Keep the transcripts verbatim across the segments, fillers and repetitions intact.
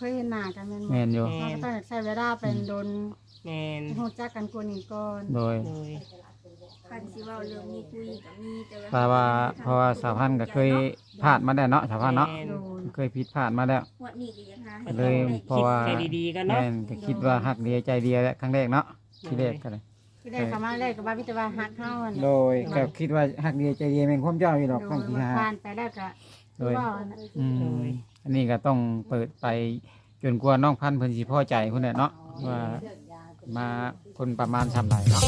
ยเห็นหน้ากันแม่นบ่แม่นอยู่เราก็ต้องใช้เวลาเป็นโดนแม่นรู้จักกันกว่านี้ก่อนโดยโดยคันสิเว้าเรื่องมีคุยก็มีแต่เพราะว่าเพราะว่าสาวพันธุ์ก็เคยพลาดมาแล้วเนาะสาวพันธุ์เนาะแม่นโดยเคยผิดพลาดมาแล้วงวดนี้ก็ยังหาก็เลยเพราะว่าใจดีๆกันเนาะแม่นก็คิดว่าฮักเดียวใจเดียวแหละครั้งแรกเนาะที่แรกก็เลยที่ได้เข้ามาแรกก็ว่ามีแต่ว่าฮักเฮาอะโดยก็คิดว่าฮักเดียวใจเดียวแม่นความเจ้าอยู่ดอกโดต้องยที่มันหาผ่านไปแล้วก็โดยว่าน่ะอืมอันนี้ก็ต้องเปิดไปจนกว่าน้องพันธุ์เพิ่นสิพอใจพุ่นแหละเนาะว่ามาคนประมาณสามใดเนาะ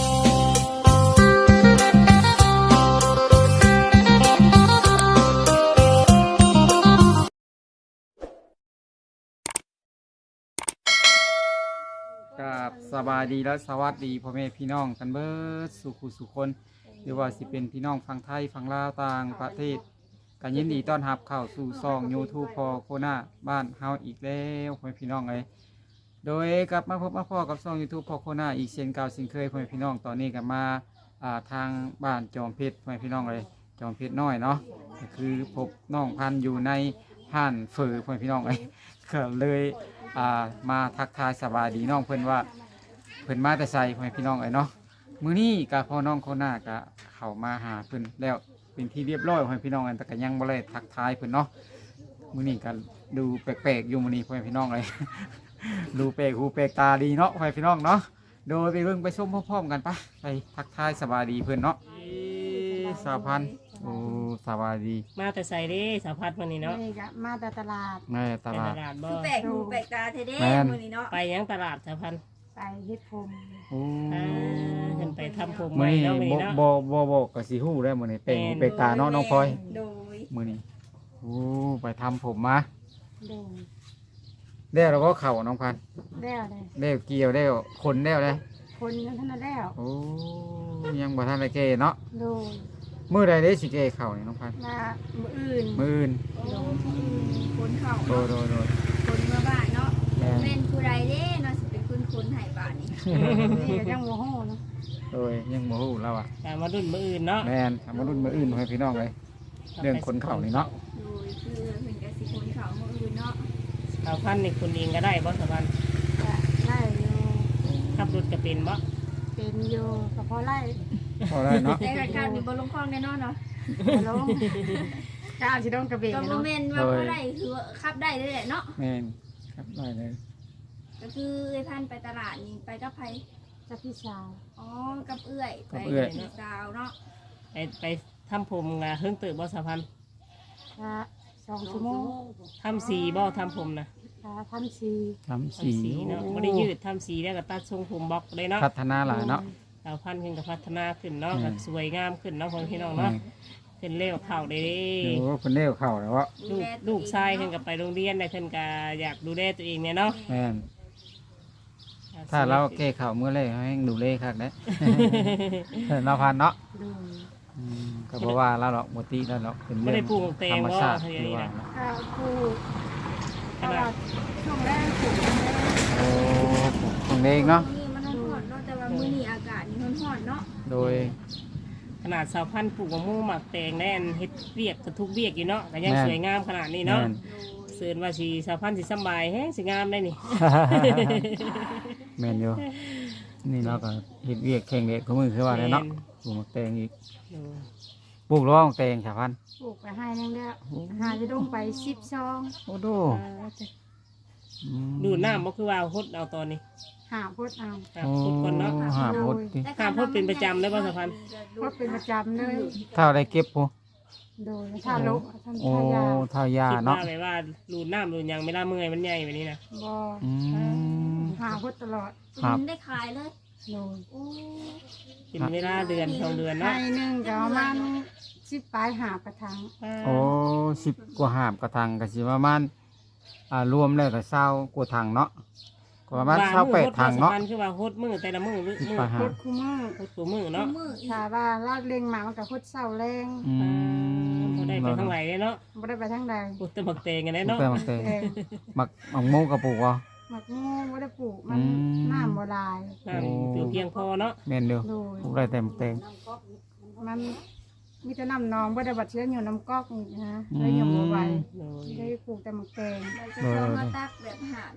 กับสบายดีและสวัสดีพ่อแม่พี่น้องกันเบิดสุขุสุคนหรือว่าสิเป็นพี่น้องฝั่งไทยฝั่งลาวต่างประเทศกันยินดีต้อนรับเข้าสู่ช่อง YouTube พอโคนาบ้านเฮาอีกแล้วพ่อแม่พี่น้องเอ้ยโดยกลับมาพบมาพ่อกับช่อง YouTube พอโคนาอีกเช่นเก่าเช่นเคยพ่อแม่พี่น้องตอนนี้ก็มาอ่าทางบ้านจอมเพชรพ่อแม่พี่น้องเลยจอมเพชรน้อยเนาะก็คือพบน้องพันธุ์อยู่ในห้านเฟอพ่อแม่พี่น้องเอ้ยก็เลยอ่ามาทักทายสบายดีน้องเพิ่นว่าเพิ่นมาแต่ใส่พ่อแม่พี่น้องเอ้ยเนาะมื้อนี้ก็พ่อน้องโคนาก็เข้ามาหาเพิ่นแล้วเป็นที่เรียบร้อยพ่อแม่พี่น้องกันแต่ก็ยังบ่ได้ทักทายเพิ่นเนาะมื้อนี้ก็ดูแปลกๆอยู่มื้อนี้พ่อแม่พี่น้องเอ้ย ดูแปลกหูแปลกตาดีเนาะพ่อแม่พี่น้องเนาะโดยไปเบิ่งไปชมพร้อมๆกันปะไปทักทายสบายดีเพิ่นเนาะสาวพันธุ์โอ้สบายดีมาแต่ใส่เด้สาวพัดวันนี้เนาะนี่ก็มาแต่ตลาดแม่ตไปลาตดลาดบ่คือแปลกหูแปลกตาแท้เด้แม่นมื้อนี้เนาะไปยังตลาดสาวพันไปเฮ็ดผมโอ้อ่าเพิ่นไปทำผมมื้อไว้นี้เนาะมื้อบ่นี้เนาะบ่บ่บ่ก็สิฮู้ได้มื้อนี้แปลกหูแปลกตาเนาะน้องพลอยโดยมื้อนี้โอ้ไปทำผมมาโดยแล้วเราก็เข้าน้องพันธุ์แล้วเลยแล้วเกี่ยวแล้วคนแล้วเด้คนนั้นเท่านั้นแล้วโอ้ยังบ่ทันได้เกเนาะโดยมื้อใดได้สิเกเข้านี่น้องพันธุ์มามื้ออื่นมื้ออื่นโอ้คนเข้าโดยโดยโดยคนเมื่อบ้านเนาะแม่นแม่นผู้ใดเด้เนาะสิเป็นคนคนให้บ้านนี่นี่ก็ยังโมโหเนาะโดยยังบ่ฮู้แล้วอ่ะตามมารุ่นมื้ออื่นเนาะแม่นทำมารุ่นมาอื่นให้พี่น้องเลยเรื่องคนเข่านี่เนาะโดยคือเพิ่นก็สิคนเข้ามื้ออื่นเนาะสาวพันนี่คุณเองก็ได้บ่สาวพันก็ไล่อยู่ขับรถก็เป็นบ่เป็นอยู่ก็พอไล่พอได้เนาะแต่รายการมีบ่ลงคลองแน่นอนเนาะบ่ลงก้าวสิโดนกระเบนก็บ่เนาะแม่นว่าบ่ได้คือว่าขับได้เลยแหละเนาะแม่นครับได้เลยก็คือเอ้ยพันไปตลาดนี่ไปกับไผกับพี่สาวอ๋อกับเอื้อยไปกับสาวเนาะไปไปทำผมก็เฮิงตื่นบ่สาวพันก็สองชั่วโมงทำสีบ่ทำผมนะก็ทำสีทำสีทำสีเนาะบ่ได้ยืดทำสีแล้วก็ตัดทรงผมบล็อกเลยเนาะพัฒนาหลายเนาะสาวพันธุ์ขึ้นกับพัฒนาขึ้นเนาะอืมก็สวยงามขึ้นเนาะพ่อพี่น้องแม่เนาะขึ้นเร็วเข่าได้เด้โอ้คนเลี้ยวเข่าแล้ววะลูกลูกชายขึ้นกับไปโรงเรียนได้ขึ้นก็อยากดูแลตัวเองเนี่ยเนาะแม่นถ้าเราแก้เข่าเมื่อไรให้ดูเล่คัก ได้ เราพันเนาะดูอืมก็บอกว่าเราหรอกโมติเราหรอกเป็นไม่เรื่ได้องปลูกเตธรง รมบ่ชาติเท่าหรือนี้ว่านะก็คู่ขตนาลอดดช่วงแรกปลูกแรกโอ้ของเด็กเนาะนี่มันร้อนๆเนาะแต่ว่ามื้อนี้อากาศนี่ร้อนๆเนาะโดยขนาดสาวพันธุ์ปลูกมะม่วงหมักแตงแน่นเฮ็ดเวียกกระทุกเวียกอยู่เนาะก็ยังแม่นสวยงามขนาดนี้เนาะแม่นเสือนว่าสีสาวพันธุ์สิสำบายแฮงสิงามได้นี่แม่นอยู่นี่เราก็เห็ดเวียกแข่งเด็กเขามือคือว่าแล้วเนาะปลูกหมกแตงอีกเออปลูกร้องแตงชาวพันธุ์ปลูกไปให้นึงแล้วหาจะดงไปสิบซองโอ้โดอืมดูดน้ำบ่คือว่าฮดเอาตอนนี้หาพดเอาครับโอ้ฮดก่อนเนาะหาพดดิถามเพิ่นเป็นประจำเลยบ่สะพันพดเป็นประจำเลยถ้าได้เก็บผู้โดยถ้าลกทำโอ้ทายาทายาคิดเนาะว่าแบบว่าดูดน้ำดูดหยังไม่ล่าเมื่อยมันใหญ่แบบนี้นะบ่อืมหาพดตลอดครับกินได้ขายเลยโดยโอ้กินเวลาเดือนสองเดือนให้เนาะหนึ่งก็ประมาณสิบปลายหาบกระถางโอ้สิบกว่าหาบกระทังก็สิประมาณอ่ารวมแล้วก็เศร้ากว่าถังเนาะก็ประมาณเศร้าแปดถังเนาะมันคือว่าฮดมือแต่ละมือมือสิบมือปลายหาพบดคู่มือฮดตัวมือเนาะมืออีกถ้าว่าลากเล็งมามันก็พดเศร้าแรงอืมพอได้ไปทางไหนเนาะบ่ได้ไปทางใดปลูกแต่หมักเตงกันได้เนาะเนาะมักแตงแต่มักมักโมกระปุกวะหมักงูบ่ได้ปลูกมันอืมน้ำบ่หลายน้ำเพียงเพียงพอเนาะแม่นเดียวโดยปลูกได้แต่มักแตงมันมีแต่น้ำนองบ่ได้บัดเชื้ออยู่น้ำก๊อกนี่นะเลยยังบ่ไหวโดยได้ปลูกแต่หมักแตงเราจะลองมาตักแบบหา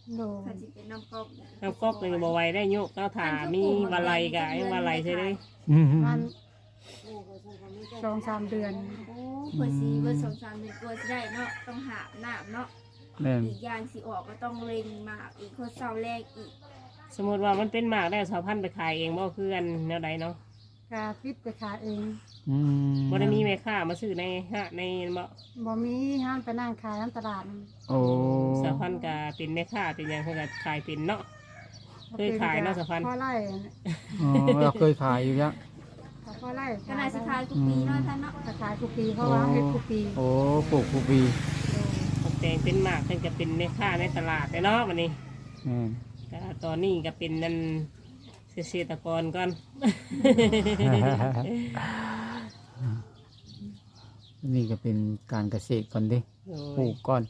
โดยถ้าสิเป็นน้ำก๊อกเนี่ยน้ำก๊อกนี่บ่ไหวได้โยกเก้าถามีวาไลกะยังวาไลใช่ไหมมันสองสามเดือนโอ้เพื่อสีเบอร์สองสามเดือนกลัวสิได้เนาะต้องหาน้ำเนาะแม่นอีกอย่างสิออกก็ต้องเล็งหมากอีกคนเศร้าแรกอีกสมมติว่ามันเป็นหมากได้สาวพันธุ์ไปขายเองบ่คือกันแนวใดเนาะกาฟิตไปขายเองอืมบ่ได้มีแม่ค้ามาซื้อในฮะในบ่บ่มีห้ามไปนั่งขายน้ำตลาดโอ้สาวพันธุ์ก็เป็นแม่ค้าเป็นหยังเพิ่นก็ขายเป็นเนาะ เคยขายเนาะสะพานพ่อไร่อ๋อเราเคยขายอยู่ยังพ่อไร่ขนาดสุดท้ายทุกปีเนาะท่านเนาะขายทุกปีเพราะว่าเฮ็ดทุกปีโอ้ปลูกผู้ปีตกแต่งเป็นหมากเพิ่นก็เป็นแม่ค้าในตลาดเนาะบัดนี้แม่นก็ตอนนี้ก็เป็นนั่นเกษตรกรก่อนนี่ก็เป็นการเกษตรก่อนดิโดปลูยกก่อน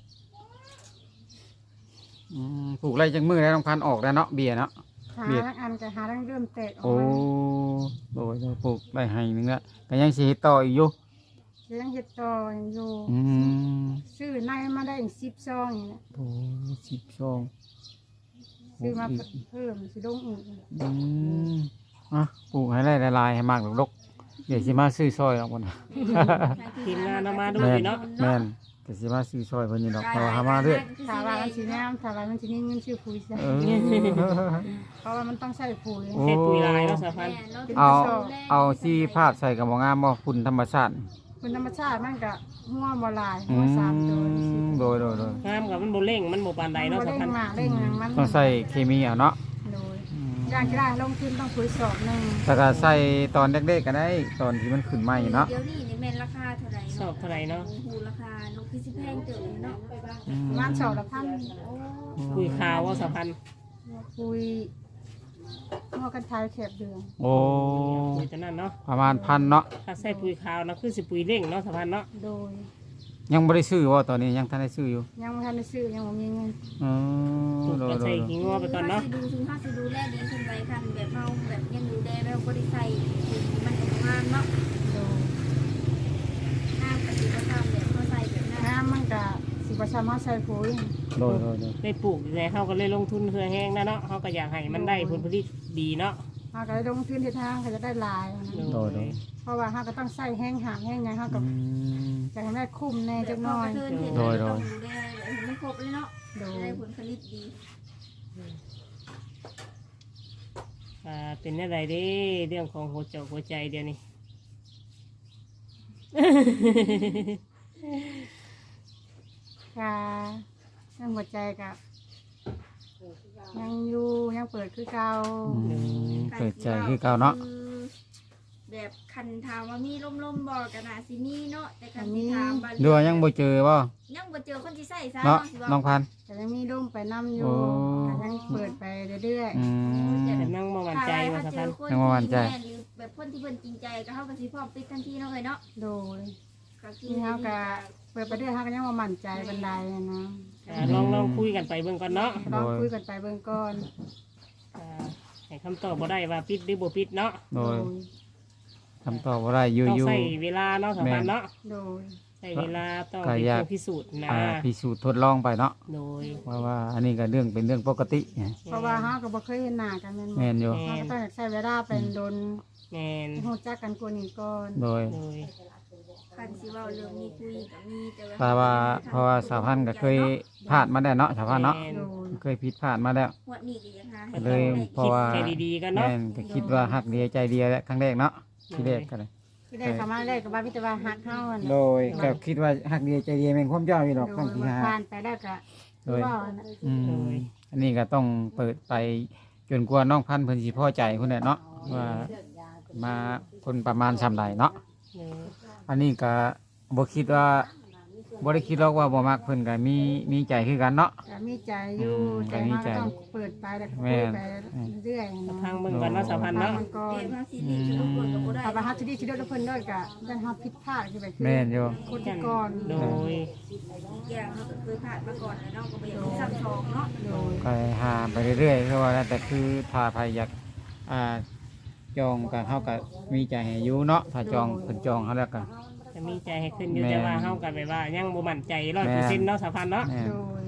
อืมปลูกไรจังมือแล้วต้องพันออกแล้วเนาะเบียร์เนาะหาเบียดทั้งอันก็หาทั้งเริ่มแตกออกโอ้มาโดยโดยปลูกได้ให้หนึงละก็ยังสิเฮ็ดต่ออีกอยู่เลี้ยงเห็ดต่ออยู่อืมซื้อในมาได้อีกสิบซองอย่างเงี้ยโอ้สิบสองซื้อมาเพิ่มสิลงอีกอืมอ่ะปลูกให้ได้หลายๆให้มากดกๆเดี๋ยวสิมาซื้อซอยออกบ่นะทีมงานเอามาดูแม่อน ยู่เนาะแม่นก็สิมาซื้อซอยเพิ่นนี่ดอกเพราะว่าหามาเรื่อยถามว่ามันสิแนมถามว่ามันสิมีเงินซื้อปุ๋ยใช่เออเพราะว่ามันต้องใช้ปุ๋ยโอ้ใช้ปุ๋ยลายเนาะสาวพันธุ์เอาเอาสีภาพใส่กับบ่งามบ่คุณธรรมชาติคุณธรรมชาติมันก็หัวบ่หลายอืหัวสามตัวมโดยโดยโดยงามกับมันบ่เร่งมันบ่ปานใดเนาะบ่สาวเร่พันงธุ์มากเร่งหยังมันต้องใส่เคมีเอาเนาะโดยอยากจะได้ลงทุนต้องปุ๋ยสอบหนึงแต่ก็ใส่ตอนเด็กๆก็ได้ตอนที่มันขึ้นใหม่เนาะเดี๋ยวนี้นี่แม่นราคาเท่าไหร่สอบเท่าไหร่เนาะโอ้โหราคานกคือสิแพงเติบเนาะอืมประมาณสอบละพันปุ๋ยขาวว่าสาวพันธุ์ปุ๋ยหัวกันทายแคบเดือนโอ้ปุ๋ยตัวนั้นเนาะประมาณพันเนาะถ้าใส่ปุ๋ยขาวนะคือสิปุ๋ยเร่งเนาะสาวพันธุ์เนาะโดยยังบ่ได้ซื้อว่าตอนนี้ยังทันได้ซื้ออยู่ยังไม่ทันได้ซื้อยังบ่มีเงินอ๋อปลูกโดก็ยโดใส่ยขี้งัวไปก่อนเนาะถ้าสิดูถึงถ้าสิดูแลดีขึ้นไปคันแบบเฮาแบบยังดูแลแล้วบ่ได้ใส่มันก็งามเนาะโดยงามก็สิบ่ทำแบบเฮาใส่แบบนั้นน้ำมันก็สิบ่สามารถใส่ปุ๋ยโดยโดยโดยได้ปลูกแต่เฮาก็เลยลงทุนเพื่อแห้งนะเนาะเฮาก็อยากให้มันได้ผลผลิตดีเนาะเฮาก็ได้ลงทุนที่ทางก็จะได้หลายนะโดยโดยเพราะว่าเฮาก็ต้องใส่แห้งหางแห้งหยังเฮาก็อืมจะให้ได้คุ้มแน่จักหน้น่ออย ยโดยโดยต้องดูแลแบบให้มันครบเลยเนาะโดยได้ผลผลิตดีอ่าเป็นอะไรเด้เรื่องของหัวใจหัวใจเดี๋ยวนี้ค่ะยังหัวใจก็ยังอยู่ยังเปิดคือเก่าอืมเปิดใจคือเก่าเนาะแบบคันถามว่ามีล่มๆบ่ก็น่าสิมีเนาะแต่คันสิถามว่าดูว่ายังบ่เจอบ่ยังบ่เจอคนที่ใส่ซะเนาะสิว่าน้องพันธุ์แต่ยังมีร่มไปน้ำอยู่โอ้ก็ยังเปิดไปเรื่อยอืมแต่นั่งมาหวั่นใจว่าถ้าสาวเจพัอนธุ์คนยังบ่หวั่นใจที่แม่นหรือแบบคนที่เพิ่นจริงใจก็เฮาก็สิพร้อมปิดทันทีเนาะเอ้ยเนาะๆ โดยก็คือนี่เฮาก็เปิดไปเรื่อยเฮาก็ยังบ่มั่นใจบันไดนะอ่าลองลองคุยกันไปเบิ่งก่อนเนาะลองคุยกันไปเบื้องก่อนอ่าให้คำตอบบ่ได้ว่าปิดหรือบ่ปิดเนาะโดยคำตอบบ่ได้อยู่ต้องอยู่ใส่เวลาเนาะสาวพันธุ์เนาะโดยใส่เวลาต้องก็เป็นอยากผู้พิสูจน์นะอ่าพิสูจน์ทดลองไปเนาะโดยว่าว่าอันนี้ก็เรื่องเป็นเรื่องปกติไงเพราะว่าเฮาก็บ่เคยเห็นหน้ากันแม่นบ่แม่นอยู่เฮาก็ต้องใช้เวลาเป็นโดนแมนรู้จักกันกว่านี้ก่อนโดยโดยคันสิเว้าเรื่องมีคุยก็มีแต่เพราะว่าเพราะว่าสาวพันธุ์ก็เคยผ่านมาแล้วเนาะสาวพันธุ์เนาะแม่นโดยเคยผิดพลาดมาแล้วงวดนี้ก็ยังหาให้ก็เลยได้เพราะว่าคิดใจดีๆกันเนาะแม่นก็คิดว่าหักเดียวใจเดียวแหละครั้งแรกเนาะที่แรกก็เลยที่ได้เข้ามาแรกก็ว่ามีแต่ว่าฮักเฮาอะโดนะยก็คิดว่าหักเดียวใจเดียวแม่นความเจ้าอยู่ดอกโดครั้งยที่ว่าห้าผ่านไปแล้วก็โดยว่าอะนะอืมอันนี้ก็ต้องเปิดไปจนกว่าน้องพันธุ์เพิ่นสิพอใจพุ่นแหละเนาะว่ามาคนประมาณซำใดเนาะโดยอันนี้ก็บ่คิดว่าบ่ได้คิดหรอกว่าบ่มักเพิ่นก็มีมีใจคือกันเนาะก็มีใจอยู่อืมแต่ก็มีเฮาใจก็ต้องเปิดไปแล้วก็แม่คุยนไปเรื่อยๆนะทางเบิ่งกันเนาะสาวพันธุ์เนาะมันก่อนเรียกว่าสิริชุมพลก็บ่ได้ถ้าว่าฮักที่ดีที่เดียวเพิ่นด้วยก็ยันเฮาผิดพลาดคือแบบคือแม่นอยู่คนที่ก่อนโดยอย่างเขาก็เคยผ่านมาก่อนแล้วเนาะก็บ่อยากให้ซ้ำสองเนาะโดยก็หาไปเรื่อยๆคือว่าแล้วแต่คือถ้าใครอยากอ่าจองก็เฮาก็มีใจให้อยู่เนาะถ้าจองเพิ่นจองเฮาแล้วก็จะมีใจให้ขึ้นอยู่แม่นแต่ว่าเฮากันแบบว่ายังบ่มั่นใจร้อยเปอร์เซ็นต์เนาะสาวพันธุ์เนาะแม่นโดยถ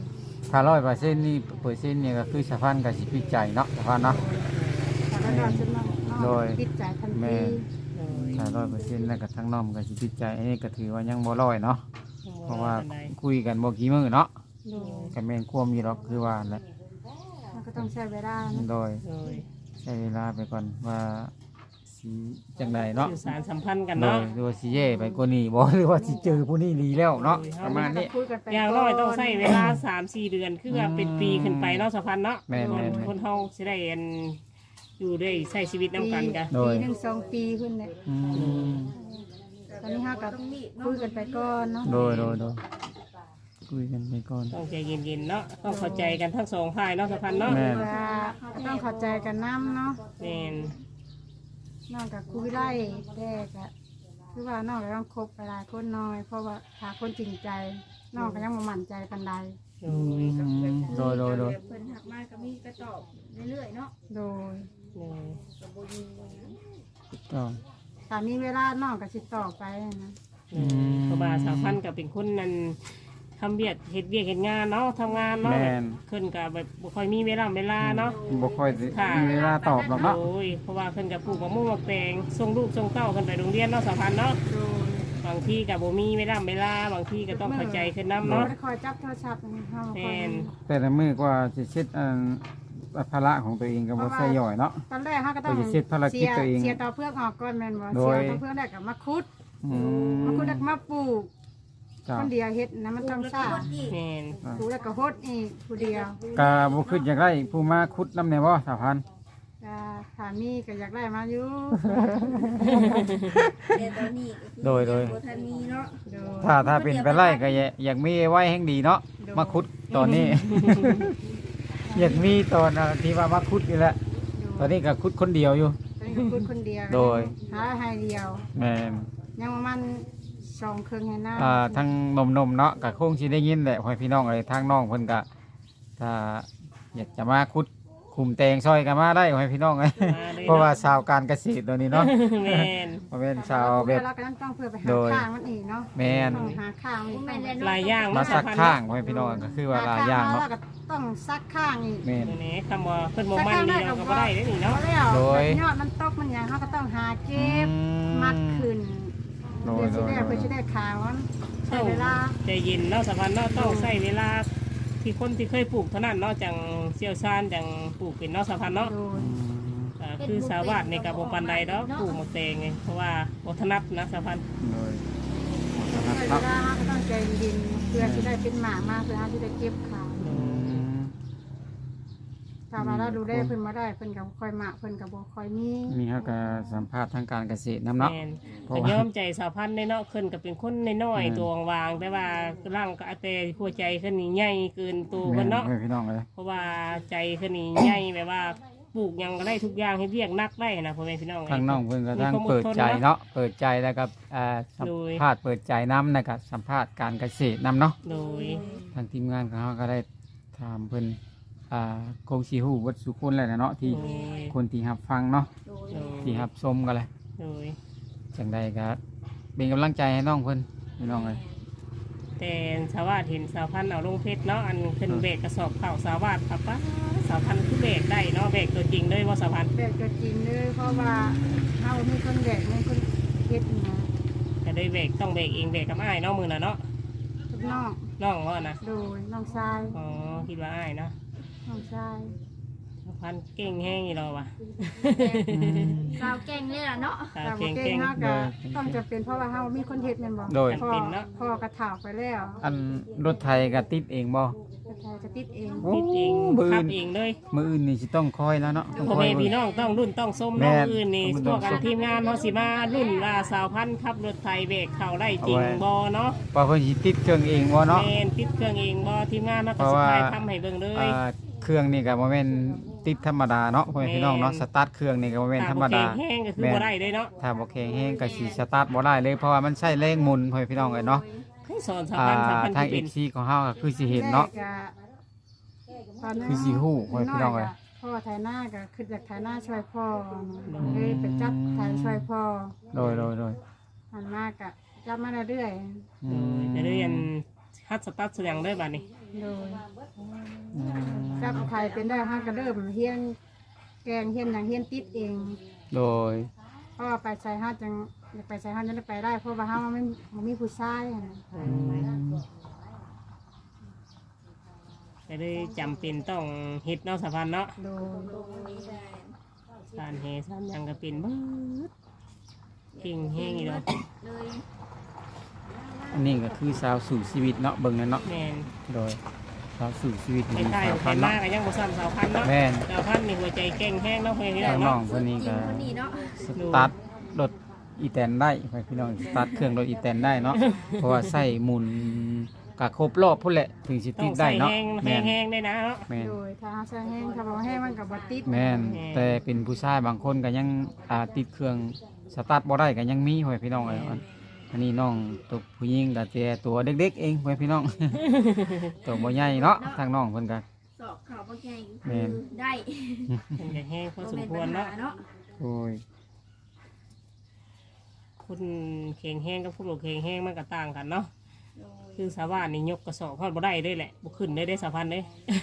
ถ้าร้อยเปอร์เซ็นต์นี่เปอร์เซ็นต์นี่ก็คือสะพานกับสิปิดใจเนาะสะพานเนาะถ้าเราดอดจนน้องน้องโดยปิดใจทันแม่ทีโดยถ้าร้อยเปอร์เซ็นต์แล้วก็ทั้งน้อมกับสิปิดใจอันนี้ก็ถือว่ายังบ่ร้อยเนาะเพราะว่าคุยกันบ่กี่มื้อเนาะโดยก็แม่นความอยู่หรอกคือว่าแหละมันก็ต้องใช้เวลานะโดยโดยใช้เวลาไปก่อนว่าสิจังไดเนาะสื่อสารสัมพันธ์กันโดเนาะยหรือว่าสิเย่ไปกว่านี้บ่หรือว่าสิเจอผู้นี้ดีแล้วเนาะประมาณนี้คุยกันไปอย่างน้อยต้องใช้เวลา สามสี่ เดือนคือว่าเป็นปีขึ้นไปเนาะสัมพันธ์เนาะแม่นคนแม่นคนเฮาสิได้อันอยู่ได้ใช้ชีวิตนํกันกันโดยปีหนึ่งสองปีขึ้นเลยอืมตอนนี้ห้ากับคุยกันไปก่อนเนาะโดยโดยโดยคุยกันไปก่อนต้องใจเย็นๆเนาะต้องเข้าใจกันทั้งสองฝ่ายเนาะสัมพันธ์เนาะแม่นว่าก็ต้องเข้าใจกันน้ำเนาะแม่นน้องกับคุยไล่แต่ก็คือว่าน้องก็ต้องคบไปหลายคนน้อย เพราะว่าหาคนจริงใจน้องก็ยังบ่มั่นใจปานใดโดอืยมโดยโดยโดยเพิ่นหักมาก็มีก็ตอบเรื่อยๆเนาะโดยโดยต้องถ้ามีเวลาน้องก็สิต่อไปนะอืมเพราะว่าสาวพันธุ์ก็เป็นคนนั้นทำเวียกเฮ็ดเวียกเฮ็ดงานเนาะทำงานเนาะแม่นขึ้นกับแบบบ่ค่อยมีเวลาเวลาเนาะบ่ค่อยสิค่ะมีเวลาตอบหรอกเนาะโอ้ยเพราะว่าขึ้นกับปลูกมะม่วงมะแตงส่งลูกส่งเต้าขึ้นไปโรงเรียนเนาะสาวพันธุ์เนาะโดยบางทีกับบ่มีเวลาเวลาบางทีก็ต้องเข้าใจขึ้นน้ำเราเนาะไม่ได้คอยจับโทรศัพท์นะเฮาคแม่อยนแต่ละมื้อก็สิเช็ดอันภาระของตัวเองก็บ่ใส่ย่อยเนาะตอนแรกเฮาก็ต้องไปเช็ดภารกิจตัวเองเสียต่อเพื่อกออกก่อนแม่นบ่โดเสียยต่อเพื่อกแล้วก็มาคุดอืมมาคุดแล้วก็มาปลูกจ้าคนเดียวเฮ็ดนะมันต้องซ่าแม่นปลูกแล้วก็โฮดอีกผู้เดียวก็บ่คิดอยากได้ผู้มาขุดนำแน่บ่สาวพันธุ์ก็ถ้ามีก็อยากได้มาอยู่แต่ตอนนี้ก็คือโดยโดยบ่ทันมีเนาะโดยถ้าถ้าเป็นไปไล่ก็อยากอยากมีไว้แห่งดีเนาะมาขุดตอนนี้ อยากมีตอนอ่ะที่ว่ามาขุดนี่แหละตอนนี้ก็ขุดคนเดียวอยู่ตอนนี้ก็คุดคนเดียวโดยหาให้เดียวแม่นยังประมาณสองครึ่งให้หน้าอ่าทั้งนมๆเนาะก็คงสิได้ยินแหละพ่อพี่น้องเอ้ยทางน้องเพิ่นก็ถ้าอยากจะมาขุดคุมแตงซอยกันมาได้พ่อพี่น้องเอ้ยมาเลยเพราะว่าเนาะชาวการเกษตรตัวนี้เนาะแม่นบ่แม่นชาวแบบเราก็ต้องเพื่อไปหาโดยข้างมันอีกเนาะแม่นต้องหาข้างมันอีกแม่นแล้หลายอย่างมาเนาะสัสาก พันธุ์ข้างเนาะพ่อพี่น้องก็คือว่าหลายอย่างเนาะหข้แล้วก็ต้องซักข้างอีกแม่นตัวนี้คำว่าเพิ่นบ่มันดีเราก็บ่ได้เด้อนี่เอาเนาะแล้วโดยยอดมันตกมันอย่างเขาก็ต้องหาเก็บอืมมัดขึ้นโดเพื่ยอโดจะยได้โดเพื่อย จะได้ขาวมันใช้เวลาใจเย็นเนาะสาวพันธุ์เนาะต้องใช้เวลาที่คนที่เคยปลูกเท่านั้นเนาะจังเชี่ยวชาญจังปลูกเป็นเนาะสาวพันธุ์เนาะโดยอ่าคือสาวาดในกับบ่ปานใดดอกปลูกหมกแตงไงเพราะว่าบ่ถนัดนะสาวพันธุ์โดยใช้เวลาเขาก็ต้องใจเย็นๆเพื่อจะได้เป็นหมากมาเพื่อเขาจะได้เก็บขาวถ้าว่าเราดูได้เพิ่นมาได้เพิ่นกับคอยหมากเพิ่นกับบ่คอยมีมีเขาก็สัมภาษณ์ทางการเกษตรนำเนาะแม่นเพราะก็ว่ายอมใจสาวพันธุ์ในเนาะขึ้นก็เป็นคนน้อยอืมๆตัววางๆแต่ว่าร่างก็อาแต่หัวใจขึ้นนี่ใหญ่เกินตัวแม่เพิ่นนเนาะพ่อพี่น้องเลยเพราะว่าใจขึ้นนี่ใหญ่แบบว่าปลูกหยังก็ได้ทุกอย่างให้เรียกนักได้นะพ่อแม่พี่น้องทางน้องเพิ่นก็มีทางความอเปิดดทนใจเนาะเนาะเปิดใจแล้วก็อ่าสัมโดยภาษณ์เปิดใจนำนะครับสัมภาษณ์การเกษตรนำเนาะโดยทางทีมงานของเขาก็ได้ถามเพิ่นอ่าคงสิฮู้วัดสุคนแหละนะเนาะที่โดยคนที่รับฟังเนาะโดยโดยที่รับชมกันเลยโดยจังใดก็เป็นกำลังใจให้น้องเพิ่นพี่น้องเลยแต่สาวาดเห็นสาวพันธุ์เอาลงเพชรเนาะอันขึ้นเบรกกระสอบเข่าวสาวาดครับป้าสาวพันธุ์คือเบรกได้เนาะเบรกตัวจริงเลยว่าสาวพันธุ์แบกตัวจริงเลยเพราะว่าเฮามีคนแบกมีคนเฮ็ดนะแต่ได้เบรกต้องเบรกเองเบรกกับอ้ายเนาะมือน่ะเนาะทุกน้องน้องว่านะโดยน้องชายอ๋อคิดว่าอ้ายเนาะน้องชายสาวพันธุ์เก่งแห้งอีเราว่ะสาวแก่งเลยล่ะเนาะสาวแต่บ่เก่งเก่เก่งงเฮาก็ต้องจะเป็นเพราะว่าเฮามีคนเฮ็ดแม่นบ่โดยพ่อจำเป็นเนาะพ่อกระถาวไปแล้วอันรถไทยก็ติดเองบ่กระถาวจะติดเองโอ้คิดเองมื้อขัอื่บนเองเลยมื้ออื่นนี่สิต้องคอยแล้วเนาะต้องพ่อคอยแม่เบิ่พี่งน้องต้องรุ่นต้องส้มแม่น้องอื่นนี่ต้องพวกกันส้มทีมงานเขาสิมารุ่นว่าสาวพันธุ์ขับรถไทยเบรกเข่าได้จริงเอาไว้บอเนาะว่าเพิ่นสิติดเครื่องเองบ่เนาะแมนติดเครื่องเองบอทีมงานเขาก็เพราะสิว่าถ่ายทำให้เบิ่งเลยอ่าเครื่องนี่ก็บ่แม่นติดธรรมดาเนาะพ่อแม่พี่น้องเนาะแม่นสตาร์ทเครื่องนี่ก็บ่แม่นธรรมดาถ้บ่แข็งแห้งก็คือบ่ได้เลยเนาะถ้าบ่แข็งแรงก็สิสตาร์ทบ่ได้เลยเพราะว่ามันใช้แรงหมุนพ่อแม่พี่น้องเอ้ยเนาะให้สอนสาวอ่าพันธุ์สาวพันธุ์ทางที่เป็นเอฟซีของเฮาก็คือสิเห็นเนาะแรกตอนนั้นคือสิฮู้พ่อพี่น้องเอ้ยพ่อไถนาก็คืออยากไถนาช่วยพ่อเลยไปจับไถช่วยพ่อโดยโดยโดยหันมากะจับมาเรื่อยอืมจะเรียนฮัดสตาร์ทเสียงได้บัดนี้ๆโดยอืมจับไข่เป็นได้ห้าก็เริ่มเฮียนแกงเฮียนอย่างเฮียนติดเองโดยเพราะว่าไปใส่ห้าจังอยากไปใส่ห้าจังได้ไปได้เพราะว่าห้ามันไม่มันมีผู้ชายอะนะอืมก็เลยจำเป็นต้องเฮ็ดเนาะสะพานเนาะโดยสานเฮสานหยังก็เป็นเบิดเก่งแห้งอีดอกเลยอันนี้ก็คือสาวสู่ชีวิตเนาะเบิ่งนั่นเนาะแม่นโดยสาวสู่ชีวิตไอ้ดีไข่สาวไข่พันมาเนาะก็ยังบ่ซ้ำสาวพันเนาะแม่นสาวพันนี่หัวใจเก่งแห้งเนาะเพื่อนพี่น้อทาง งน้อเนาะงคนนี้จริก็งคนนี้เนาะสตาร์ทรถอีแตนได้ไปพี่น้องสตาร์ทเครื่องรถอีแตนได้เนาะ เพราะว่าใส่หมุนกะครบรอบพุ่นแหละถึงสิต้ติอดงได้ใส่เนาะแห้งแม่นแห้งๆได้นะเนาะแม่นโดยถ้าห้าใส่แห้งถ้าบอกแห้งมันกับบติดแม่นแม่นแต่เป็นผู้ชายบางคนก็ยังอ่าติดเครื่องสตาร์ทบ่ได้ก็ยังมีไว้พี่น้องเอ้ยอันอันนี้น้องตัวผู้หญิงก็แต่ตัวเด็กๆเองไว้พี่น้อง ตัวบ่ใหญ่เนาะทางน้องเพิ่นก็สอบข่าวบ่ใหญ่แม่นได้มันจะแห้งพอสมบ่ควรแนปัญเนาะหาเนาะโอ้ยคุณเข่งแห้งกับผู้หลวงเข่งแห้งมันก็ต่างกันเนาะโดยคือสาวานนี่ยกกระสอบพอดบ่ได้ด้วยแหละบ่ขึ้นได้ได้สาวพันเด้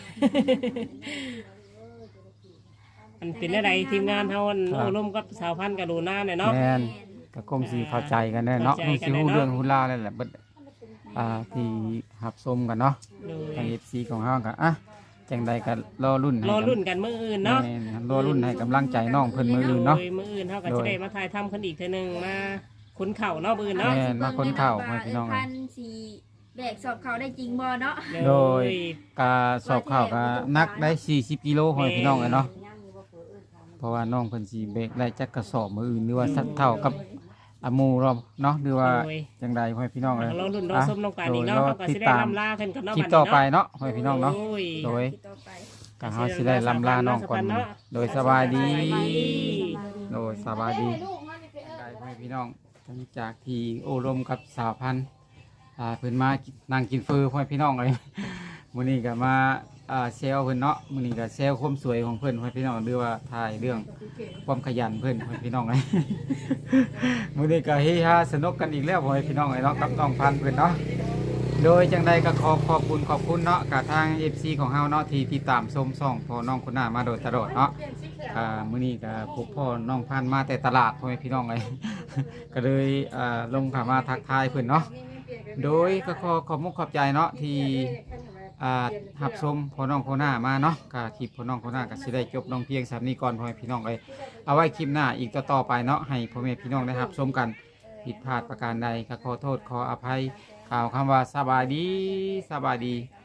มันเป็นอะไรทีมงานเฮาอันโอ้ร่วมกับสาวพันกับดูหน้าเนี่ยเนาะแม่นก็คงสิเข้าใจกันแน่เนาะคเข้าง ใจสิกันฮู้แน่เนาะเรื่องฮู้ราวนั่นแหละเบิดอ่าที่รับชมกันเนาะโดยทาง เอฟ ซี ของเฮาก็อ่ะจังใดก็รอรุ่นให้รอรุ่นกำกันมื้ออื่นเนาะแม่นรอรุ่นให้กำลังใจน้องเพิ่นมื้ออื่นเนาะโดยมื้ออื่นเฮาก็โดจะยได้มาถ่ายทำกันอีกเทื่อหนึงมาขนเข่าเนาะมื้ออื่นเนาะแม่ มาคนเข้าให้พี่น้องพันสีแบกสอบเขาได้จริงบ่เนาะโดย กาสอบเข้าก็นักได้สี่สิบกิโลให้พี่น้องเลยเนาะเพราะว่าน้องเพิ่นสิเบรกได้จักกระสอบมื้ออื่นหรือว่าสักเท่ากับอาหมูเราเนาะหรือว่าโดยจังใดให้พี่น้องเลยรอรุ่นรอส้มน้องกันอีกเนาะโดยรอเฮาก็ติสิดได้ตามลำลาเพิ่นกันเนาะคลิปบัดต่อไปนี้เนาะเนาะให้พี่น้องเนาะโอ้ยโดยต่อไปก็เฮาสิได้ลำลาน้องก่อนโดยสบายดี โดยสบายดีได้ให้พี่น้องหลังจากที่โอ้รมกับสาวพันธุ์อ่าเพิ่นมานั่งกินเฟอให้พี่น้องเลย มื้อนี้ก็มาอ่าเซลเพิ่นเนาะมื้อนี้ก็เซลความสวยของเพิ่นให้พี่น้องหรือว่าถ่ายเรื่องความขยันเพิ่นให้พี่น้องเลย มื้อนี้ก็เฮฮาสนุกกันอีกแล้วให้พี่น้องเลยเนาะกับน้องพันธุ์เพิ่นเนาะโดยจังใดก็ขอขอบคุณขอบคุณเนาะกับทาง เอฟ ซี ของเฮาเนาะที่ติดตามชมช่องพอน้องคุณหน้ามาโดยตลอดเนาะอ่ามื้อนี้ก็พบพ่อน้องพันธุ์มาแต่ตลาดให้พี่น้องเลย ก็เลยอ่าลงเข้ามาทักทายเพิ่นเนาะโดยก็ขอขอบมุกขอบใจเนาะที่ อ่าหับชมพ่อน้องพ่อหน้ามาเนาะก็คลิปพ่อน้องพ่อหน้าก็สิได้จบลงเพียงสามนี้ก่อนพ่อแม่พี่น้องเลยเอาไว้คลิปหน้าอีกต่อๆไปเนาะให้พ่อแม่พี่น้องได้รับชมกันผิดพลาดประการใดก็ขอโทษขออภัยกล่าวคำว่าสบายดีสบายดี